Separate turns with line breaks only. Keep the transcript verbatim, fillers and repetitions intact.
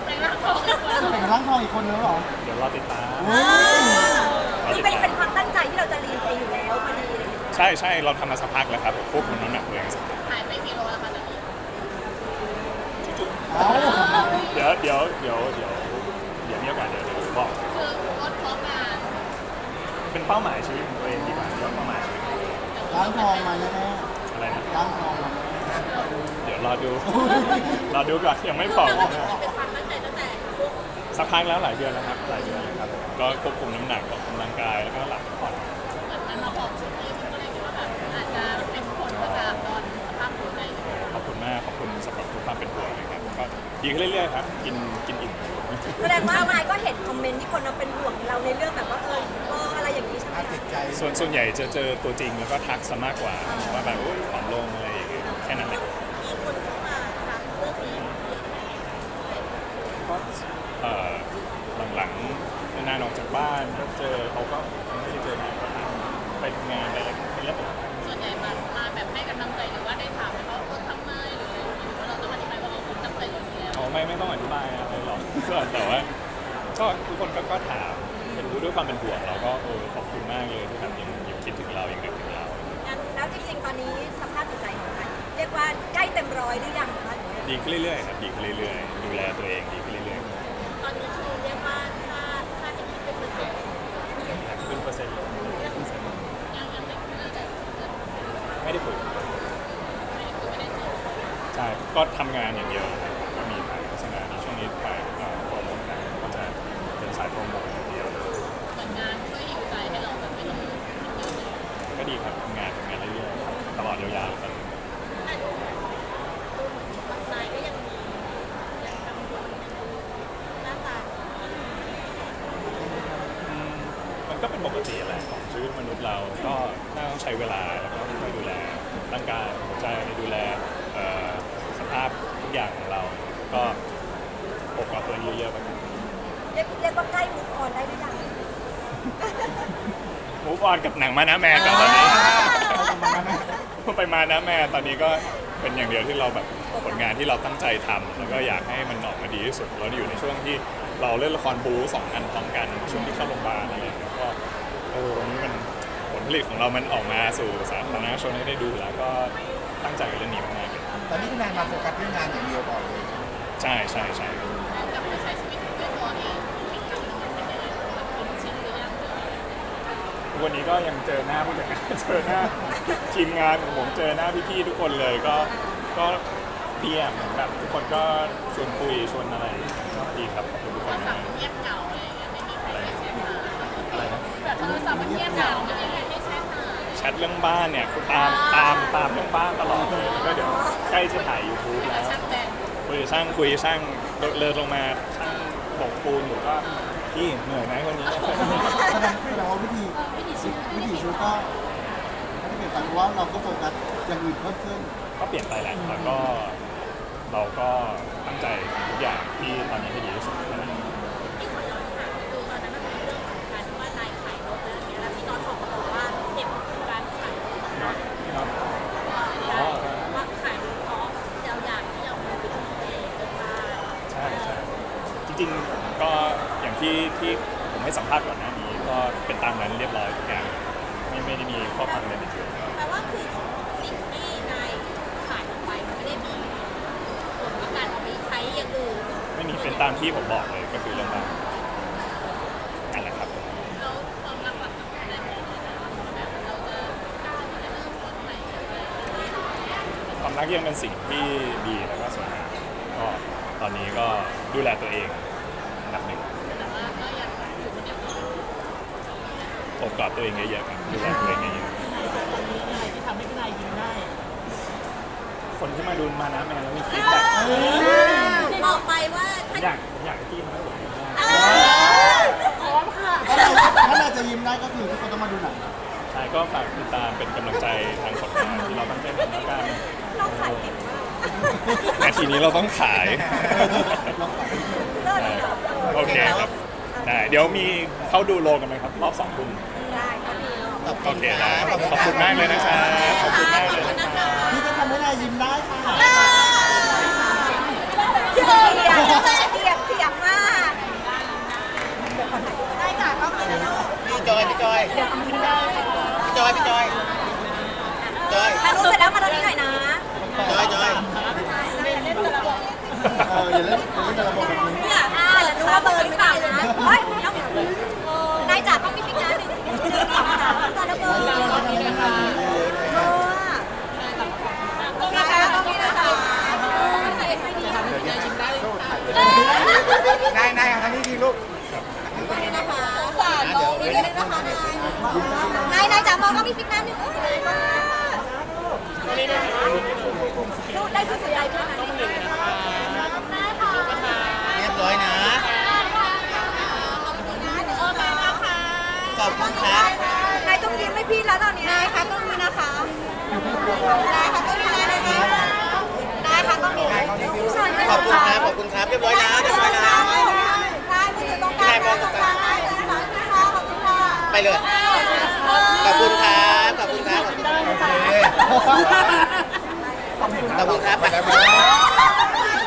เป็นร่างทองอีกคน
จะเป็นร่างทองอีกคนนึงเหรอ
เดี๋ยวรอติดตาม
คือเป็นเป็นความตั้งใจที่เราจะเรียนเองอยู่แล้วพอดีเลย
ใช่ใช่เราทำมาสักพักแล้วครับผมควบคุมน้ำหนักตัวเองสักพัก
หายไปกี่โลแล้วคะตอนนี้
เอ้า
เดี๋ยวเดี๋ยวเดี๋ยวเดี๋ยวเดี๋ยวมีโอกาสเดี๋ยวเดี๋ยวบอก
คือลดเพราะงาน
เป็นเป้าหมายชีวิตของตัวเองดีกว่าเดี๋ยวเป้าหมายชีวิต
ร่างทองมาแน่
อะไรนะ
ๆร่างทองมาแน่
เดี๋ยวรอดู รอดูก่อนยังไม่บอก
เป็นความตั้งใจตั้งแต่ช่วง
สักพักแล้วหลายเดือนแล้วครับหลายเดือนแล้วครับก็ควบคุมน้ำหนักออกกำลังกายแล้วก็หลับพักผ่อน
เหมือนมันมาบอกชุดนี้มันก็เลยคิดว่าแบบอาจจะเป็นผลมาจากตอนสภาพหัวใจ
ขอบคุณมากขอบคุณสำหรับทุกความเป็นห่วงนะครับก็ดีขึ้นเรื่อยๆครับกินกินอิ่ม
แสดงว่านายก็เห็นคอมเมนต์ที่คนเราเป็นห่วงเราในเรื่องแบบว่าเออเอออะไรอย่างนี้ใช่ไหม
อาจิตใจ
ส่วนส่วนใหญ่จะเจอตัวจริงแล้วก็ทักซะมากกว่าว่าแบบโอ้ยผอมลงอะไรอย่างเงี้ยแค่นั้นแหละ
มีคนเข้ามาถามเรื่องนี้
ก็เอ่อหลังๆนานๆออกจากบ้านก็เจอเขาก็ไม่ได้เจอนานก็ถามไปทำงานไปอะไรเป็นเรื่องปกติ
ส่วนใหญ่มามาแบบให้กำลังใจหรือว่าได้ถามไหมว่าลดทำไมหรืออะไรอย่างเงี้ยหรือว่าเราต้องอธิบายว่าเราตั้งใจลดอยู่แล้ว
อ๋อไม่ไม่ต้องอธิบายอะไรหรอก ก็แต่ว่าก็ทุกคนก็ก็ถามเป็นด้วยความเป็นห่วงเราก็เออขอบคุณมากเลยที่แบบยังยังคิดถึงเรายังนึกถึงเรา
งั้นแล้วจริงๆตอนนี้สภาพจิตใจของนายเรียกว่าใกล้เต็มร้อยหรือยังคะ
ดีขึ้นเรื่อยๆครับดีขึ้นเรื่อยๆดูแลตัวเองดีขึ้นเรื่อย
ตอนนี้คือเรียกว่าถ้าถ้าจะคิดเป็นเปอร์เซ็นต์
ๆเป็นเปอร์เซ็นต์
ยังยังไม่คือแต่
ไม่ได้ฝึก
ไม่ได้คือไม่ได้เจอ
ใช่ก็ทำงานอย่างเดียวครับก็มีถ่ายโฆษณาในช่วงนี้ถ่ายเอ่อโปรโมทกันก็จะเป็นสายโปรโมทอย่างเดียว
เหมือนงานช่วยหิวใจให้เราแบบไม่ต้องคิดเยอะเลย
ก็ดีครับทำงานทำงานเรื่อยๆครับตลอดยาวๆครับ
แต่ดูดูเหมือนบางรายก็ยังมียังกังวลหน้าตา
อืมมันก็เป็นปกติแหละของชีวิตมนุษย์เราก็น่าต้องใช้เวลาแล้วก็ค่อยๆดูแลร่างกายหัวใจดูแลเอ่อสภาพทุกอย่างของเรา ก็ปกกับตัวเองเยอะๆไปครับ
เรียกเรียกว่าใกล้ move on ได้หรือยัง
มูฟออนกับหนังมานะแมนกับตอนนี้ ไปมานะแม่ตอนนี้ก็เป็นอย่างเดียวที่เราแบบผลงานที่เราตั้งใจทำแล้วก็อยากให้มันออกมาดีที่สุดเราอยู่ในช่วงที่เราเล่นละครบู๊สองอันพร้อมกันช่วงที่เข้าโรงพยาบาลอะไรอย่างเงี้ยก็เออวันนี้มันผลผลิตของเรามันออกมาสู่สาธารณชนให้ได้ดูแล้วก็ตั้งใจกับเรื่องนี้มากๆเลย
ตอนนี้คือนายมาโฟกัสเรื่องงานอย่างเดียวก่อนเลย
ใช่ใช่ใช่
กลับมาใช้ชีวิตด้วยตัวเองอีกครั้งหนึ่งมันเป็นยังไงมันคุ้นชินหรือยัง
วันนี้ก็ยังเจอหน้าผู้จัดการ เจอหน้าทีมงานของผมเจอหน้าพี่ๆทุกคนเลยก็ก็ดีอ่ะเหมือนแบบทุกคนก็ชวนคุยชวนอะไรก็ดีครับขอบคุณทุกค
โทร
น
ศัพ
มาก
ท์เงียบเหงาอะไรอย่างเงี้ยไม่มีใครได้แชทหา
อะไรนะ
แบบโทรศัพท์มันเงียบเหงาไม่มีใครได้แชทหา
แชทเรื่องบ้านเนี่ยตามตามตามเรื่องบ้านตลอดเลยแล้วก็เดี๋ยวใกล้จะถ่ายยูทูบ
แล้
แล้ว ว
ช่างแบน
คุยกับช่างคุยกับช่างเลินลงมาช่างโบกปูนอยู่ก็พี่เหนื่อยไหมคนนี้
แสดงแสดงว่าวิธี
วิถีชีวิต
วิถีชีวิตก็ไม่ได้เปลี่ยนไปเพราะว่าเราก็โฟกัสอย่างอื่นเพิ่มขึ้น
ก็เปลี่ยนไปแหละแล้วก็เราก็ตั้งใจทุกอย่างที่ตอนนี้ให้ดีที่สุดนะ
ที่ขอย้อนถามคือตอนนั้นมันเป็นเรื่องของการที่ว่านายขายรถแล้วอย่างเงี้ยแล้วพี่น้องออกมาบอกว่าเห็นการขายรถ
เนาะเนาะ
ว่าขายรถเพราะเราอยากที่จะมาเป็นของตัวเองเป็นบ้าน
ใช่ใช่จริงๆก็อย่างที่ที่ผมให้สัมภาษณ์ก่อนหน้านี้ก็เป็นตามนั้นเรียบร้อยทุกอย่างไม่ไม่ได้มีข้อความอะไรในเกิน
แปลว่าคือสิ่งที่นายขายออกไปมันไม่ได้มีผลกับการเอาไปใช้อย่างอื่น
ไม่มีเป็นตามที่ผมบอกเลยก็คือเรื่องบ้านนั่นแหละครับ
แล้วความรักหลังจากนั้นเนี่ยแบบเราจะกล้าที่จะเริ่มต้นใหม่เลย
ความรักยังเป็นสิ่งที่ดีแล้วก็สวยงามก็ตอนนี้ก็ดูแลตัวเองอันดับหนึ่ง
แต่ว่าก็ยังอยู่คนเดียว
โอบกอดตัวเองเยอะๆครับดูแลตัวเองเยอะ
ที่ทำให้พี่นายยิ้มได้
ๆคนที่มาดูมานะแมนแล้วมีฟีดแบ็ก
บอกไปว่า
ผมอยากผมอยากให้พี่มาให้ผมยิ้มได้
พร้อมค่ะ
ถ้าเราถ้าเราจะยิ้มได้ก็คือทุกคนต้องมาดูหนัง
ใช่ก็ฝากติดตามเป็นกำลังใจทางผลงานที่เราตั้งใจทำแล้วกัน
เราขายเก่งมาก
นาทีนี้เราต้องขาย
เราขาย
เลิศเลยเหรอ
โอเคครับได้เดี๋ยวมีเข้าดูโลกันไหมครับรอบสองทุ่ม
ได้ก็ดี
โอเคได้ขอบคุณมากเลยนะครับขอบคุณมากเลยนะครับ
พี่จะทำให้นายยิ้มได้ค่ะ
เทียบเทียบเทียบเทียบ
เล่นเล่นแต่ระบบแบบนี้
เนี่ยอ่าดูว่าเบอร์ไม่ได้เลยนะเฮ้ยน้องนายจ๋าต้องมีฟิกนะหนึ่งหนึ่งสองสามตอนละเบอร์เออต้องมีนะคะต้องมีนะคะ
นายนายทางนี้ทีลูก
สารมองนิดนึงนะคะนายนายจ๋ามองต้องมีฟิกนะหนึ่งสู้ได้สู้สุดใจด้วยนะ
เรียบร้อยนะขอบคุณครับ
นายต้องยิ้มให้พี่แล้วตอนนี้นายคะต้องมีนะคะนายคะต้องมีนะคะนายคะต้องมี
ขอบคุณครับขอบคุณครับเรียบร้อยนะเรียบร้อยนะ
นายมือตรงกลางตรงกลางนายเลยค่ะขอบคุณค่ะ
ไปเลยขอบคุณครับขอบคุณครับขอบคุณครับขอบคุณครับไป